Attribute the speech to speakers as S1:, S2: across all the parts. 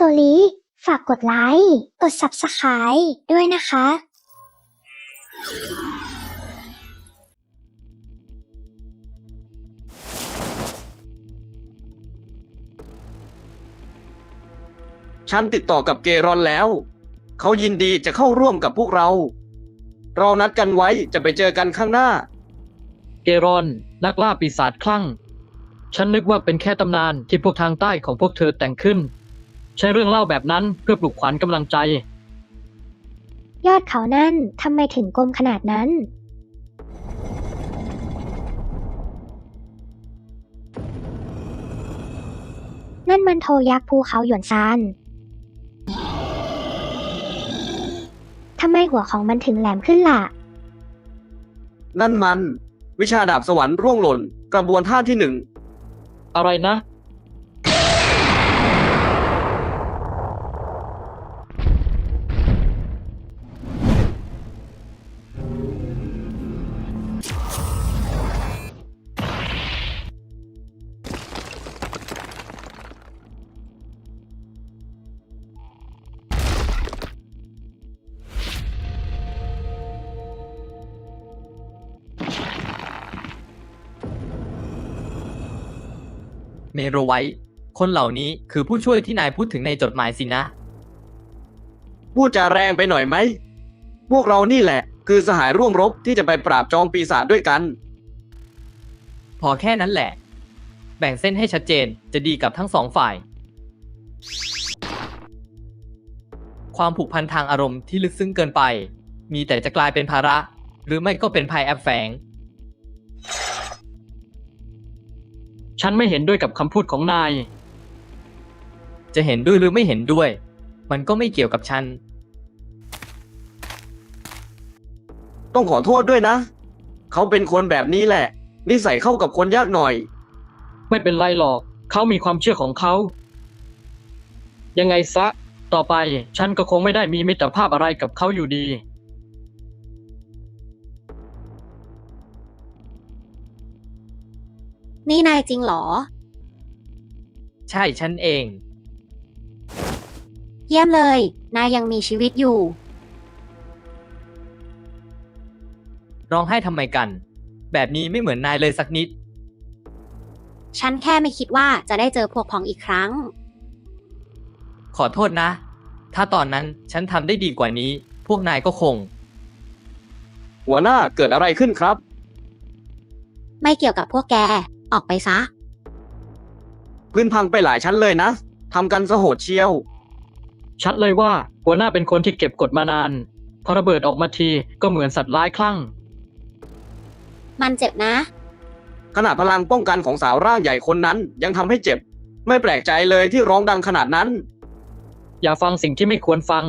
S1: ลีฝากกดไลค์ กด Subscribe ด้วยนะคะ
S2: ฉันติดต่อกับเกรอนแล้ว เขายินดีจะเข้าร่วมกับพวกเรา เรานัดกันไว้จะไปเจอกันข้างหน้า
S3: เกรอนนักล่าปีศาจคลั่งฉันนึกว่าเป็นแค่ตำนานที่พวกทางใต้ของพวกเธอแต่งขึ้นใช้เรื่องเล่าแบบนั้นเพื่อปลุกขวัญกำลังใจ
S1: ยอดเขานั่นทำไมถึงกลมขนาดนั้น นั่นมันโทยักษ์ภูเขาหยวนซานทำไมหัวของมันถึงแหลมขึ้นล่ะ
S2: นั่นมัน วิชาดาบสวรรค์ร่วงหล่นกระบวนท่าที่หนึ่ง
S3: อะไรนะ
S4: เมโรไวท์คนเหล่านี้คือผู้ช่วยที่นายพูดถึงในจดหมายสินะ
S2: พูดจาแรงไปหน่อยไหม พวกเรานี่แหละคือสหายร่วมรบที่จะไปปราบจองปีศาจด้วยกัน
S4: พอแค่นั้นแหละ แบ่งเส้นให้ชัดเจนจะดีกับทั้งสองฝ่าย ความผูกพันทางอารมณ์ที่ลึกซึ้งเกินไป มีแต่จะกลายเป็นภาระ หรือไม่ก็เป็นภัยแอบแฝง
S3: ฉันไม่เห็นด้วยกับคำพูดของนาย
S4: จะเห็นด้วยหรือไม่เห็นด้วย มันก็ไม่เกี่ยวกับฉัน
S2: ต้องขอโทษด้วยนะ เขาเป็นคนแบบนี้แหละ นิสัยเข้ากับคนยากหน่อย
S3: ไม่เป็นไรหรอกเขามีความเชื่อของเขายังไงซะต่อไปฉันก็คงไม่ได้มีมิตรภาพอะไรกับเขาอยู่ดี
S5: นี่นายจริงเหรอ
S4: ใช่ฉันเอง
S5: เยี่ยมเลย นายยังมีชีวิตอยู่
S4: ร้องไห้ทำไมกัน แบบนี้ไม่เหมือนนายเลยสักนิด
S5: ฉันแค่ไม่คิดว่าจะได้เจอพวกพ้องอีกครั้ง
S4: ขอโทษนะ ถ้าตอนนั้นฉันทำได้ดีกว่านี้ พวกนายก็คง
S2: หัวหน้าเกิดอะไรขึ้นครับ
S5: ไม่เกี่ยวกับพวกแก ออกไปซะ
S2: พื้นพังไปหลายชั้นเลยนะ ทำกันสะโหดเชียว
S3: ชัดเลยว่าหัวหน้าเป็นคนที่เก็บกดมานานพอระเบิดออกมาทีก็เหมือนสัตว์ร้ายคลั่ง
S5: มันเจ็บนะ
S2: ขนาดพลังป้องกันของสาวร่างใหญ่คนนั้นยังทำให้เจ็บ ไม่แปลกใจเลยที่ร้องดังขนาดนั้น
S3: อย่าฟังสิ่งที่ไม่ควรฟัง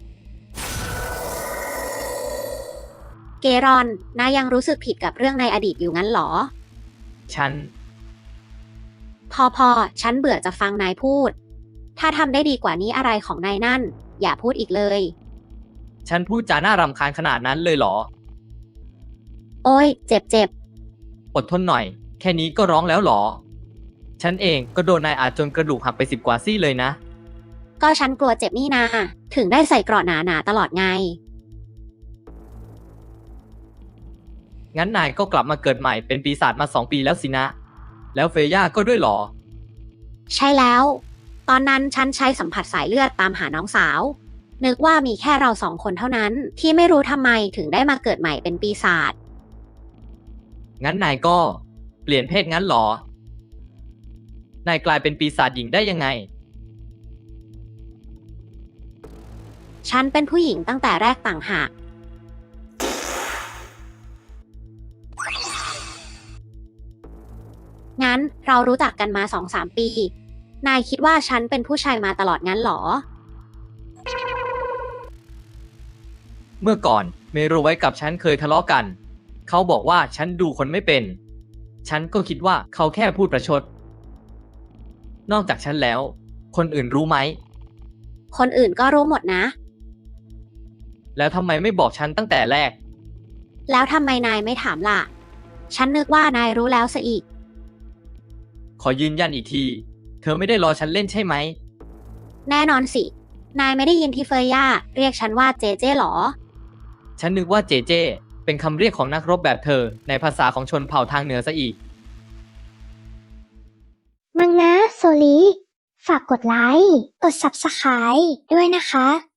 S5: เกรอน นายยังรู้สึกผิดกับเรื่องในอดีตอยู่งั้นเหรอ
S4: ฉัน
S5: พอ ฉันเบื่อจะฟังนายพูด ถ้าทำได้ดีกว่านี้อะไรของนายนั่น อย่าพูดอีกเลย
S4: ฉันพูดจาน่ารำคาญขนาดนั้นเลยเหรอ
S5: โอ้ย เจ็บ
S4: อดทนหน่อย แค่นี้ก็ร้องแล้วเหรอ ฉันเองก็โดนนายอาจจนกระดูกหักไป10 กว่าซี่เลยนะ
S5: ก็ฉันกลัวเจ็บนี่นา ถึงได้ใส่เกราะหนาๆตลอดไง
S4: งั้นนายก็กลับมาเกิดใหม่เป็นปีศาจมา2 ปีแล้วสินะ แล้วเฟย่าก็ด้วยเหรอ
S5: ใช่แล้ว ตอนนั้นฉันใช้สัมผัสสายเลือดตามหาน้องสาว นึกว่ามีแค่เรา2 คนเท่านั้นที่ไม่รู้ทำไมถึงได้มาเกิดใหม่เป็นปีศาจ
S4: งั้นนายก็เปลี่ยนเพศงั้นเหรอ นายกลายเป็นปีศาจหญิงได้ยังไง
S5: ฉันเป็นผู้หญิงตั้งแต่แรกต่างหาก งั้นเรารู้จักกันมา 2-3 ปี นายคิดว่าฉันเป็นผู้ชายมาตลอดงั้นเหรอ
S4: เมื่อก่อนเมโรไว้กับฉันเคยทะเลาะกัน เขาบอกว่าฉันดูคนไม่เป็น ฉันก็คิดว่าเขาแค่พูดประชด นอกจากฉันแล้ว คนอื่นรู้ไหม
S5: คนอื่นก็รู้หมดนะ
S4: แล้วทำไมไม่บอกฉันตั้งแต่แรก
S5: แล้วทำไมนายไม่ถามล่ะ ฉันนึกว่านายรู้แล้วซะอีก
S4: ขอยืนยันอีกที เธอไม่ได้รอฉันเล่นใช่ไหม
S5: แน่นอนสิ นายไม่ได้ยินที่เฟย่าเรียกฉันว่าเจเจหรอ
S4: ฉันนึกว่าเจเจ เป็นคำเรียกของนักรบแบบเธอในภาษาของชนเผ่าทางเหนือซะอีก
S1: มังนะโซลี ฝากกดไลค์ กด Subscribe ด้วยนะคะ